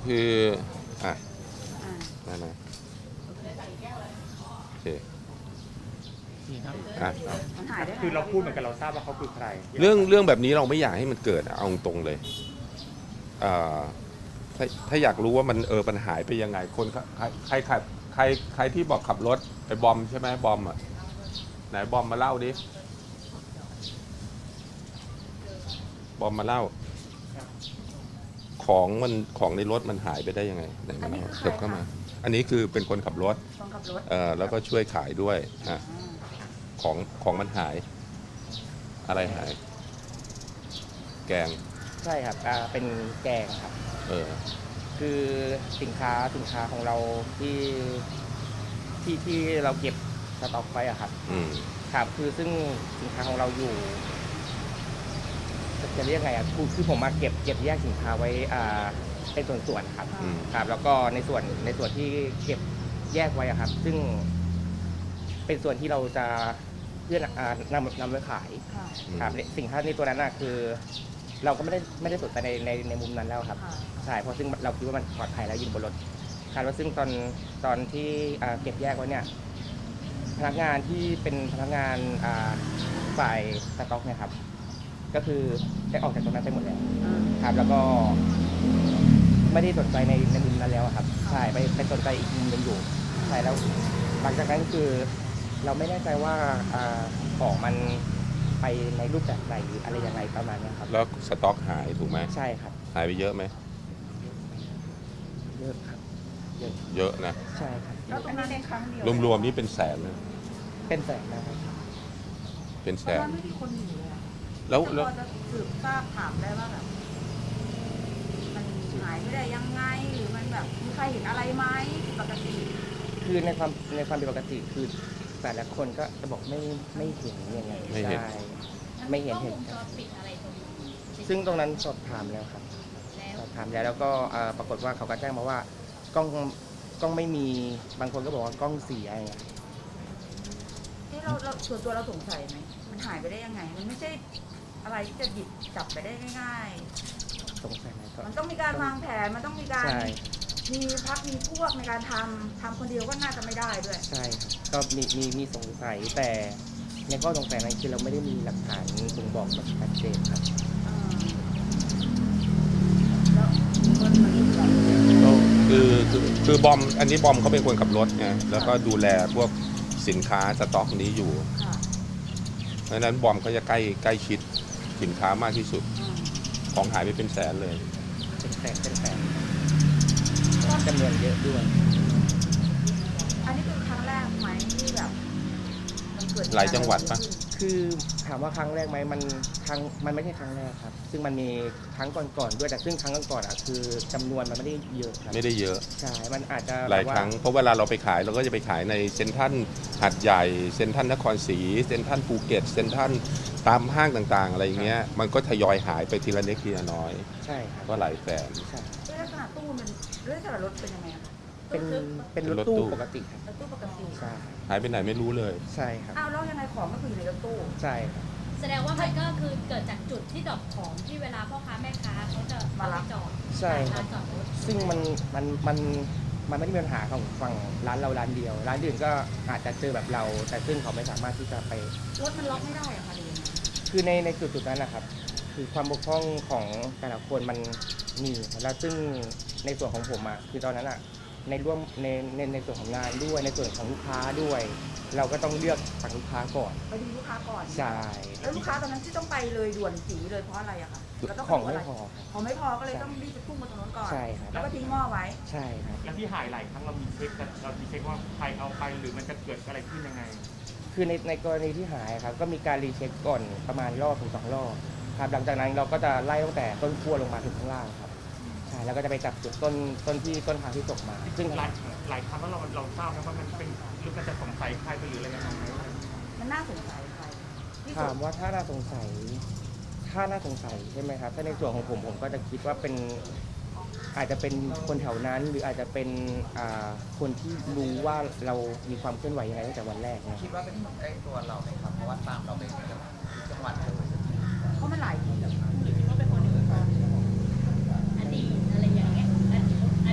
คืออ่ะอ่านั่นนะโอเคอ่ะมันหายได้ไงคือเราพูดเหมือนกันเราทราบว่าเขาคือใครเรื่องแบบนี้เราไม่อยากให้มันเกิดเอาตรงเลยอ่าถ้าอยากรู้ว่ามันหายไปยังไงคนใครที่บอกขับรถไปบอมใช่ไหมบอมอ่ะไหนบอมมาเล่าดิบอมมาเล่าของในรถมันหายไปได้ยังไงไหนมาเล่าเถิบเข้ามาอันนี้คือเป็นคนขับรถคนขับรถแล้วก็ช่วยขายด้วยอ่ะของมันหายอะไรหายแกงใช่ครับเป็นแกงครับ คือสินค้าของเราที่เราเก็บสต็อกไว้อะครับ ครับคือซึ่งสินค้าของเราอยู่จะเรียกไงอะคือผมมาเก็บแยกสินค้าไว้เป็นส่วนๆครับ ครับแล้วก็ในส่วนที่เก็บแยกไว้อะครับ ซึ่งเป็นส่วนที่เราจะเพื่อนำไปขายค่ะครับสินค้าในตัวนั้นอะคือ เราก็ไม่ได้สนใจในมุมนั้นแล้วครับค่ะใช่เพราะซึ่งเราคิดว่ามันปลอดภัยแล้วยิงบนรถคาดว่าซึ่งตอนที่เก็บแยกไว้เนี่ยพนักงานที่เป็นพนักงานฝ่ายสต็อกเนี่ยครับก็คือได้ออกจากตรงนั้นไปหมดแล้วอืมครับแล้วก็ไม่ได้สนใจในมุมนั้นแล้วอะครับใช่ไปสนใจอีกมุมหนึงอยู่ใช่แล้วหลังจากนั้นคือเราไม่แน่ใจว่าของมันไปในรูปแบบไหนหรืออะไรยังไงประมาณเนี้ยครับแล้วสต็อกหายถูกไหมใช่ครับหายไปเยอะไหมเยอะครับเยอะเยอะนะใช่ครับแล้วตรงนั้นในครั้งเดียวรวมๆนี่เป็นแสนนะเป็นแสนนะครับเป็นแสเพราะนว่าไม่มีคนอยู่เลยอะแล้วพอจะสืบทราบถามได้ว่าแบบมันหายไม่ได้ยังไงหรือมันแบบมีใครเห็นอะไรไหมปกติคือในความเป็นปกติคือแต่ละคนก็จะบอกไม่เห็นยังไงไม่เห็นใช่ไม่เห็นกล้องวงจรปิดอะไรตรงนี้ซึ่งตรงนั้นสอบถามแล้วครับแล้วสอบถามแล้วก็ปรากฏว่าเขาก็แจ้งมาว่ากล้องไม่มีบางคนก็บอกว่ากล้องเสียอย่างเงี้ยที่เราส่วนตัวเราสงสัยไหมมันหายไปได้ยังไง มันไม่ใช่อะไรที่จะหยิบจับไปได้ง่ายสงสัยไหมก็ๆ มันต้องมีการวางแผนมันต้องมีการใช่มีพักมีพวกในการทำคนเดียวก็น่าจะไม่ได้ด้วยใช่ครับก็มีสงสัยแต่ในข้อสงสัยนั้นคือเราไม่ได้มีหลักฐานบ่งบอกแบบชัดเจนครับแล้วคนมันแบบคือบอมอันนี้บอมเขาเป็นคนขับรถไงแล้วก็ดูแลพวกสินค้าสต็อกนี้อยู่ค่ะเพราะฉะนั้นบอมเขาจะใกล้ชิดสินค้ามากที่สุด ของหายไปเป็นแสนเลยเป็นแสนจำนวนเยอะด้วยอันนี้เป็นครั้งแรกไหมที่แบบมันเกิดหลายจังหวัดปะคือถามว่าครั้งแรกไหมมันไม่ใช่ครั้งแรกครับ ซึ่งมันมีครั้งก่อนๆด้วยแต่ซึ่งครั้งก่อนๆอ่ะคือจำนวนมันไม่ได้เยอะครับไม่ได้เยอะใช่มันอาจจะหลายแบบว่ครั้งเพราะเวลาเราไปขายเราก็จะไปขายในเซ็นทรัลหาดใหญ่เซ็นทรัลนครศรีเซ็นทรัลภูเก็ตเซ็นทรัลตามห้างต่างๆ อะไรอย่างเงี้ยมันก็ทยอยหายไปทีละเล็กทีละน้อยใช่ครับก็หลายแสนใช่ลักษณะตู้มันลักษณะรถเป็นยังไงคะเป็นรถรถตู้ตู้ปกติครับรถตู้ปกติใช่หายไปไหนไม่รู้เลยใช่ครับอ้าวแล้วยังไงของก็คืออยู่ในรถตู้ใช่ครับแสดงว่ามันก็คือเกิดจากจุดที่ดรอปของที่เวลาพ่อค้าแม่ค้าเขาจะมารับจอดใช่คลารับนจอดรถซึ่งมันไม่ได้มีปัญหาของฝั่งร้านเราร้านเดียว ร้านอื่นก็อาจจะเจอแบบเรา แต่ซึ่งเขาไม่สามารถที่จะไปรถมันล็อกไม่ได้อะค่ะหรือยังไงคือในจุดนั้นนะครับ คือความบกพร่องของแต่ละคนมันมีแล้วซึ่งในส่วนของผมอ่ะคือตอนนั้นอ่ะในร่วมในส่วนของงานด้วยในส่วนของลูกค้าด้วย เราก็ต้องเลือกฝั่งลูกค้าก่อนไปดูลูกค้าก่อนใช่แล้วลูกค้าตอนนั้นที่ต้องไปเลยด่วนจีเลยเพราะอะไรอะคะแล้วต้องของดูไม่อะไรพอของไม่พอก็เลยต้องรีบไปพุ่งมาตรงนั้นก่อนใช่ครับแล้วก็ทิ้งหม้อไว้ใช่ครับแล้วที่หายหลายครั้งเรามีเช็คกันเรามีเช็คว่าใครเอาไปหรือมันจะเกิดอะไรขึ้นยังไงคือในกรณีที่หายครับก็มีการรีเช็คก่อนประมาณรอบถึง2 รอบครับหลังจากนั้นเราก็จะไล่ตั้งแต่ต้นขั้วลงมาถึงข้างล่างครับใช่แล้วก็จะไปจับจุดต้นทางที่ตกมา ซึ่งหลายครั้งแล้วเราทราบนะว่ามันเป็นหรือมันจะสงสัยใครไปหรืออะไรยังไงไหมมันน่าสงสัยใครที่สุถาดมว่าถ้าน่าสงสัยใช่ไหมครับถ้าในส่วนของผมก็จะคิดว่าเป็นอาจจะเป็นคนแถวนั้น หรืออาจจะเป็นคนที่รู้ว่าเรามีความเคลื่อนไหวยังไงตั้งแต่วันแรกนะคิดว่าเป็นคนใกล้ตัวเราไหมครับ เพราะว่าตามเราไปจังหวัดเลยเพราะมันหลายที่หรือคิดว่าเป็นคนในวงการอดีตอะไรอย่างเงี้ยอดีต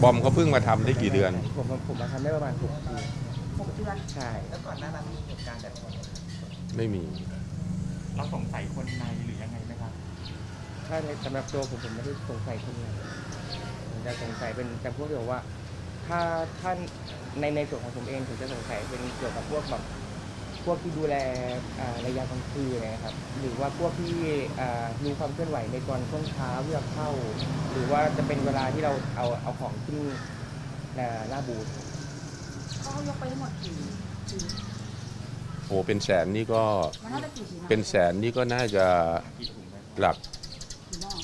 บอมเขาเพิ่งมาทำได้กี่เดือนผมมาทำได้ประมาณ6 ปี 6 เดือนใช่แล้วก่อนหน้านั้นมีเหตุการณ์แบบนี้ไม่มีเราสงสัยคนในหรือยังไงไหมครับถ้าในสำหรับตัวผมไม่ได้สงสัยคนไหนผมจะสงสัยเป็นจำพวกที่บอกว่า ถ้าในส่วนของผมเองผมจะสงสัยเป็นเกี่ยวกับพวกแบบพวกที่ดูแลระยะกลางคืนนะครับ หรือว่าพวกที่รู้ความเคลื่อนไหวในตอนช่วงเช้าเพื่อเข้า หรือว่าจะเป็นเวลาที่เราเอาของขึ้นหน้าบูธเขายกไปทั้งหมดกี่โอ้เป็นแสนนี่ก็มันน่าจะกี่ชิ้นอะเป็นแสนนี่ก็น่าจะกี่ถุงได้หลักกี่หม้อ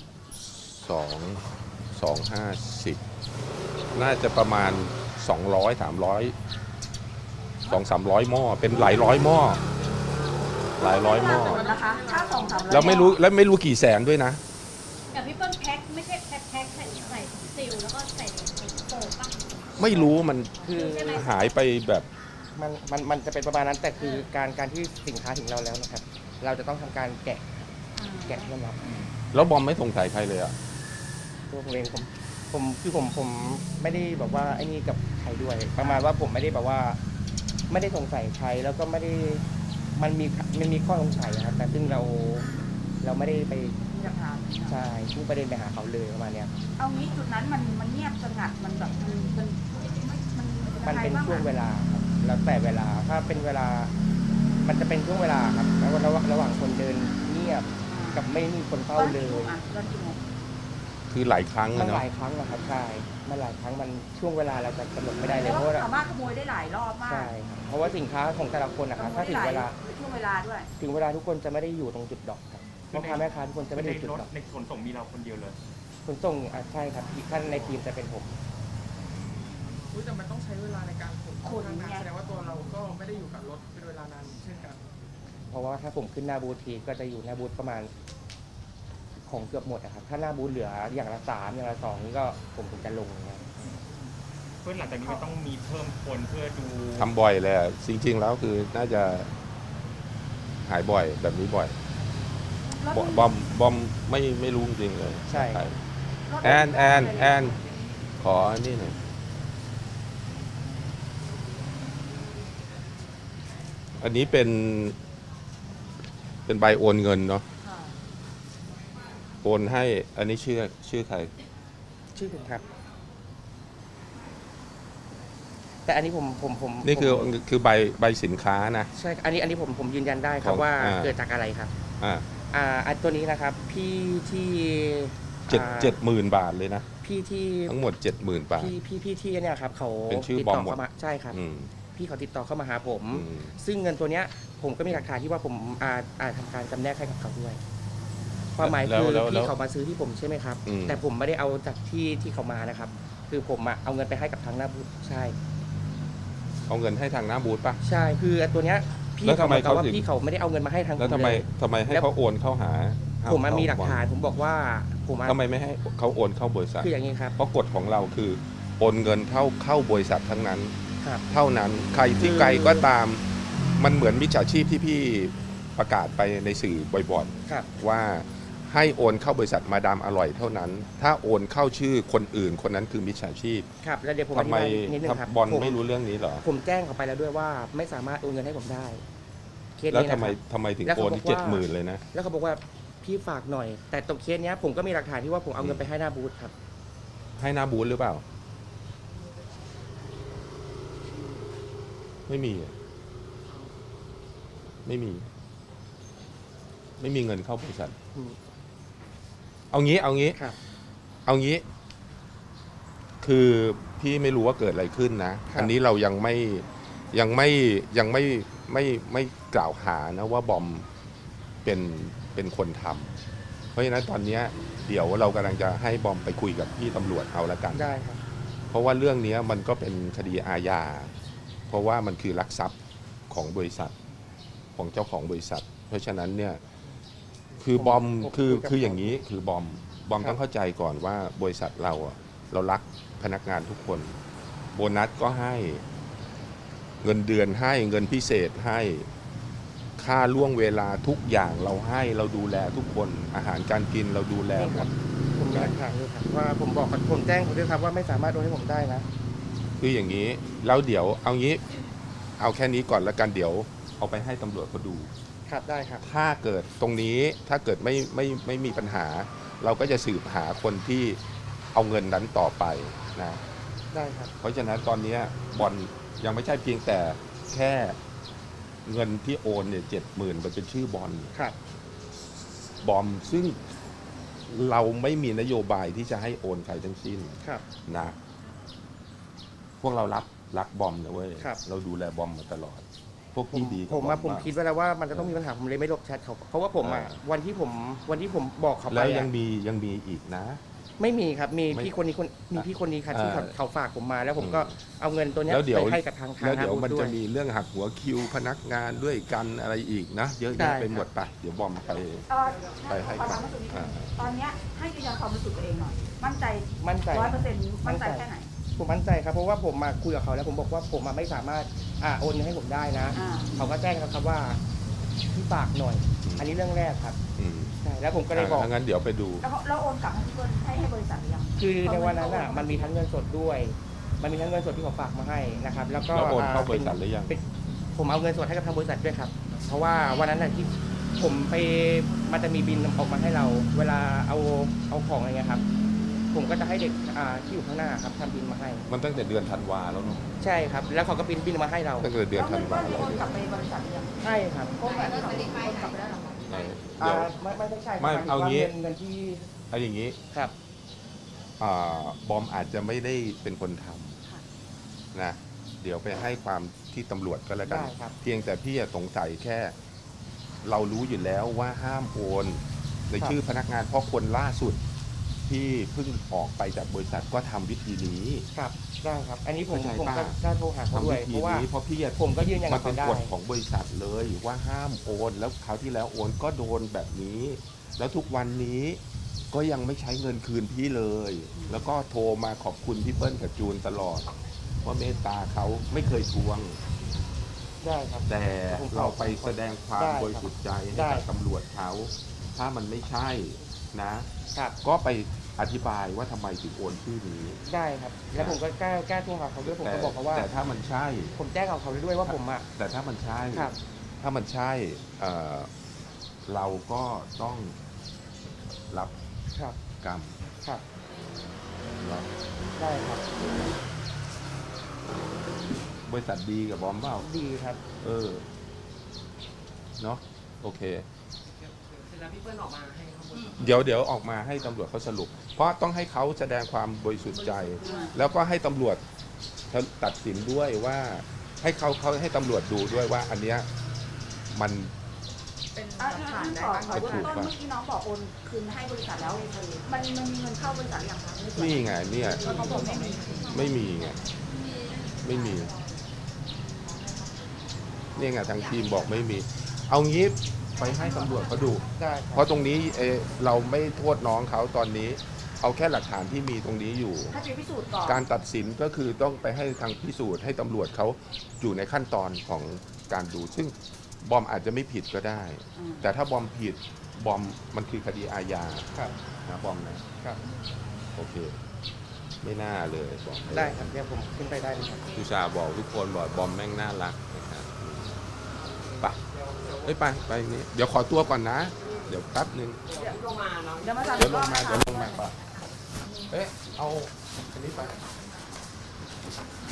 250น่าจะประมาณ200 300 200-300 หม้อเป็นหลายร้อยหม้อหลายร้อยหม้อนะคะถ้า200-300 แล้วไม่รู้กี่แสนด้วยนะกับพี่เปิ้ลแพ็คไม่ใช่แพ็คใส่ซิลแล้วก็ใส่โฟมป่ะไม่รู้มันคือหายไปแบบมันจะเป็นประมาณนั้นแต่คือการที่สินค้าถึงเราแล้วนะครับ เราจะต้องทำการแกะเพื่อรับแล้วบอมไม่สงสัยใครเลยอ่ะตัวผมเองผมไม่ได้แบบว่าไอ้นี่กับใครด้วย ประมาณว่าผมไม่ได้แบบว่า ไม่ได้สงสัยใครแล้วก็ไม่ได้มันมีข้อสงสัยนะครับแต่ซึ่งเราไม่ได้ไปมีหลักฐานใช่พุ่งประเด็นไปหาเขาเลยประมาณเนี้ยเอางี้จุดนั้นมันเงียบสงัดมันแบบมันเป็นยังไงบ้างช่วงอะเวลาครับแล้วแต่เวลาถ้าเป็นเวลา มันจะเป็นช่วงเวลาครับแล้วระหว่างคนเดินเงียบกับไม่มีคนเฝ้าเลยตอนกี่โมงคือหลายครั้งมัอะนหเนาะลายครั้งนะครับใช่มันหลายครั้งมันช่วงเวลาเราจะกำหนดไม่ได้เลยเพเพราะราะว่าว่าสามารถขโมยได้หลายรอบมากใช่ครับเพราะว่าสินค้าของแต่ละคนนะครับถ้าถึงเวลาช่วงเวลาด้วยถึงเวลาทุกคนจะไม่ได้อยู่ตรงจุดดอกครับพ่อค้าแม่ค้าทุกคนจะไม่ได้อยู่จุดรถดอกในขนส่งมีเราคนเดียวเลยขนส่งใช่ครับท่านในทีมจะเป็นผมอุ๊ยแต่มันต้องใช้เวลาในการขนขนทางไงแสดงว่าตัวเราก็ไม่ได้อยู่กับรถเป็นเวลานานเช่นกันเพราะว่าถ้าผมขึ้นหน้าบูธทีก็จะอยู่หน้าบูธประมาณของเกือบหมดอะครับถ้าหน้าบูธเหลืออย่างละ3อย่างละ2นี่ก็ผมถึงจะลงนะครับเพื่อนหลังจากนี้มันต้องมีเพิ่มคนเพื่อดูทำบ่อยเลยอะจริงๆแล้วคือน่าจะหายบ่อยแบบนี้บ่อยรถบอมไม่รู้จริงๆเลยใช่รถแอนขออันนี่หน่อยอันนี้เป็นใบโอนเงินเนาะค่ะโอนให้อันนี้ชื่อใครชื่อผมครับ แต่อันนี้ผมนี่คือใบสินค้านะใช่อันนี้ผมยืนยันได้ครับของว่าาเกิดจากอะไรครับอ่าตัวนี้นะครับพี่ที่ 70,000 บาทเลยนะพี่ที่ทั้งหมด 70,000 บาทพี่ที่เนี่ยครับเขาเป็นชื่อติดบอต่มอหมดเข้ามาใช่ครับอืมพี่เขาติดต่อเข้ามาหาผมอืมซึ่งเงินตัวเนี้ยผมก็มีหลักฐานที่ว่าผมทำการจำแนกให้กับเขาด้วยความหมายคือพี่เขามาซื้อที่ผมใช่ไหมครับ แต่ผมไม่ได้เอาจากที่เขามานะครับ คือผมเอาเงินไปให้กับทางหน้าบูธใช่เอาเงินให้ทางหน้าบูธป่ะใช่คือตัวเนี้ยพี่แล้วทำเขาไมบอกว่าเขาถึงพี่เขาไม่ได้เอาเงินมาให้ทางแล้วผมเลยทำไมให้แล้วเขาโอนเข้าหาผมมีหลักฐานผมบอกว่าผมทำไมไม่ให้เขาโอนเข้าบริษัทคืออย่างนี้ครับเพราะกฎของเราคือโอนเงินเข้าบริษัททั้งนั้นครับเท่านั้นใครที่คือไกลก็ตามมันเหมือนมิจฉาชีพที่พี่ประกาศไปในสื่อบ่อยครับๆว่าให้โอนเข้าบริษัทมาดามอร่อยเท่านั้น ถ้าโอนเข้าชื่อคนอื่นคนนั้นคือมิจฉาชีพครับแล้วเดี๋ยวผมทำไมอธิบายนิดนึงครับบอลผมไม่รู้เรื่องนี้เหรอผมแจ้งเขาไปแล้วด้วยว่าไม่สามารถโอนเงินให้ผมได้เคสแล้วนี้ทำนะคไมรับทำไมถึงแล้วโอเขานบอกว่า 70,000เลยนะแล้วเขาบอกว่าพี่ฝากหน่อย แต่ตรงเคสเนี้ยผมก็มีหลักฐานที่ว่าผมเอาเงินไปให้หน้าบูธครับให้หน้าบูธหรือเปล่า ไม่มีอะไม่มีเงินเข้าบริษัทอืมเอางี้ครับเอางี้ คือพี่ไม่รู้ว่าเกิดอะไรขึ้นนะครับอันนี้เรายังไม่กล่าวหานะว่าบอมเป็นคนทำเพราะฉะนั้นตอนเนี้ยเดี๋ยวเรากำลังจะให้บอมไปคุยกับพี่ตำรวจเอาละกันได้ครับเพราะว่าเรื่องนี้มันก็เป็นคดีอาญา เพราะว่ามันคือลักทรัพย์ของบริษัทของเจ้าของบริษัท เพราะฉะนั้นเนี่ยคือบอมผมคือคุยกับคืออย่างนี้คือบอมครับต้องเข้าใจก่อนว่าบริษัทเราอะเรารักพนักงานทุกคน โบนัสก็ให้เงินเดือนให้เงินพิเศษให้ค่าล่วงเวลาทุกอย่างเราให้เราดูแลทุกคนอาหารการกินเราดูแลหมดผมกัหนลักฐานอยู่ครับว่าผมแจ้งเขาด้วยครับว่าไม่สามารถโอนให้ผมได้นะคืออย่างนี้แล้วเดี๋ยวเอางี้เอาแค่นี้ก่อนแล้วกันเดี๋ยวเอาไปให้ตำรวจเขาดูครับได้ครับถ้าเกิดตรงนี้ถ้าเกิดไม่มีปัญหา เราก็จะสืบหาคนที่เอาเงินนั้นต่อไปนะได้ครับเพราะฉะนั้นตอนนี้บอลยังไม่ใช่เพียงแต่แค่เงินที่โอนเนี่ย70,000มันเป็นชื่อบอลครับบอมซึ่งเราไม่มีนโยบายที่จะให้โอนใครทั้งสิ้นครับนะพวกเรารักบอมนะเว้ยครับเราดูแลบอมมาตลอด พวกพี่ดีกับผมบอมาผมากคิดไว้แล้วว่ามันจะต้องมีปัญหาผมเลยไม่ลบแชทเขาเพราะว่าผมอ่ะเออวันที่ผมบอกเขาไปแล้วอะยังมีอีกนะไม่มีครับมีไม่พี่คนนี้มีพี่คนนี้ครับที่เออเขาฝากผมมาแล้วผมก็เอาเงินตัวเนี้ยแล้วเดี๋ยวไปให้กับทางแล้วเดี๋ยวฮาบูมันด้วจะยมีเรื่องหักหัวคิวพนักงานด้วยกันอะไรอีกนะ เยอะได้แยะไปหมดไปเดี๋ยวบอมไป ไปให้ขอการถามว่าตรงนี้อ่าตอนเนี้ยให้ยืนยันความบริสุทธิ์ตัวเองหน่อย มั่นใจมั่นใจ 100%มั่นใจแค่ไหนผมมั่นใจครับเพราะว่าผมมาคุยกับเขาแล้วผมบอกว่าผมไม่สามารถโอนเงินให้ผมได้นะอ่าเขาก็แจ้งครับว่าพี่ฝากหน่อย อันนี้เรื่องแรกครับอืมใช่แล้วผมก็เลยบอกถ้างั้นเดี๋ยวไปดูแล้วโอนกลับให้เพื่อนให้บริษัทหรือยังคือในวันนั้นอ่ะมันมีทั้งเงินสดด้วย มันมีทั้งเงินสดที่เขาฝากมาให้นะครับแล้วก็แล้วโอนเข้าบป็ริษัทหรือยังเป็นผมเอาเงินสดให้กับทางบริษัทด้วยครับ เพราะว่าวันนั้นน่ะที่ผมไปมันจะมีบินออกมาให้เรา เวลาเอาของอะไรเงี้ยครับ ผมก็จะให้เด็กที่อยู่ข้างหน้าครับทำบินมาให้มันตั้งแต่เดือนธันวาแล้วเนาะใช่ครับ แล้วเขาก็บินมาให้เราตั้งแต่เดือนแล้วธัเงินนวาก้อนแล้วโอนกลับไปบริษัทหรือยังใช่ครับโอนแบบที่เราโอนกลับไปแล้วเหรอเดี๋ยวไม่ใช่ครับไม่หยถึเอางี้เงินที่เอาอย่างนี้ครับบอมอาจจะไม่ได้เป็นคนทค่ะำนะเดี๋ยวไปให้ความที่ตำรวจก็แล้วกันได้ครับเพียงแต่พี่สงสัยแค่ เรารู้อยู่แล้วว่าห้ามโอนในชื่อพนักงานเพราะคนล่าสุดที่เพิ่งออกไปจากบริษัทก็ทำวิธีนี้ครับได้ครับ อันนี้ผมเข้าใจผมป่ะก็ได้โทรหาเขาทำด้ววิยธีเพราะว่านี้เพราะพี่ผมก็ยืนยันมักับนเป็นเขาได้กฎของบริษัทเลยว่าห้ามโอนแล้วคราวที่แล้วโอนก็โดนแบบนี้ แล้วทุกวันนี้ก็ยังไม่ใช้เงินคืนพี่เลย แล้วก็โทรมาขอบคุณพี่เปิ้ลกับจูนตลอดว่าเมตตาเขาไม่เคยทวงได้ครับแต่เราไปแสดงความได้ครับบริสุทธิ์ใจให้ได้กับตำรวจเขาถ้ามันไม่ใช่นะครับก็ไปอธิบายว่าทำไมถึงโอนชื่อนี้ได้ครับ แล้วผมก็กล้าโทรหาเขาด้วยผมแต่ก็บอกเขาว่าแต่ถ้ามันใช่ผมแจ้งกับเขาด้วยว่าผมอ่ะแต่ถ้ามันใช่ครับถ้ามันใช่เราก็ต้องรับครับกรรมครับเนาะได้ครับบริษัทดีกับบอมเปล่าดีครับเออเนาะโอเคเสร็จแล้วพี่เปิ้ลออกมาให้ข้อมูลเดี๋ยวออกมาให้ตำรวจเขาสรุป เพราะต้องให้เขาแสดงความบริสุทธิ์ใจ แล้วก็ให้ตำรวจตัดสินด้วยว่าให้เขาให้ตำรวจดูด้วยว่า อันเนี้ยมันเป็นหอ่ะลักฐานได้ขอบ้างขอเบื้องต้นเมื่อกี้น้องบอกโอนคืนให้บริษัทแล้วมันมีเงินเข้าบริษัทหรือยังคะนี่ไงเนี่ยแล้วเขาบอกไม่มีไม่มีไงไม่มีนี่ไงทางทีมบอกไม่มี เอางี้ไปให้ตำรวจเขาดูได้คเพรับราะตรงนี้เราไม่โทษน้องเขาตอนนี้ เอาแค่หลักฐานที่มีตรงนี้อยู่ให้ไปพิสูจน์ก่อนการตัดสินก็คือต้องไปให้ทางพิสูจน์ให้ตำรวจเขาอยู่ในขั้นตอนของการดู ซึ่งบอมอาจจะไม่ผิดก็ได้ แต่ถ้าบอมผิดบอมมันคือคดีอาญาครับนะบอมนะครับ โอเค ไม่น่าเลยบอมได้ครับเดี๋ยวผมขึ้นไปได้เลยครับอุตส่าห์บอกทุกคนบอกบอมแม่งน่ารักนะครับไปเอ้ยไปนี่เดี๋ยวขอตัวก่อนนะ เดี๋ยวแป๊บนึงเดี๋ยวมาสั่งเดี๋ยวลงมารอบนะคะเดี๋ยวลงมาปะเอ๊ะเอาอันนี้ไป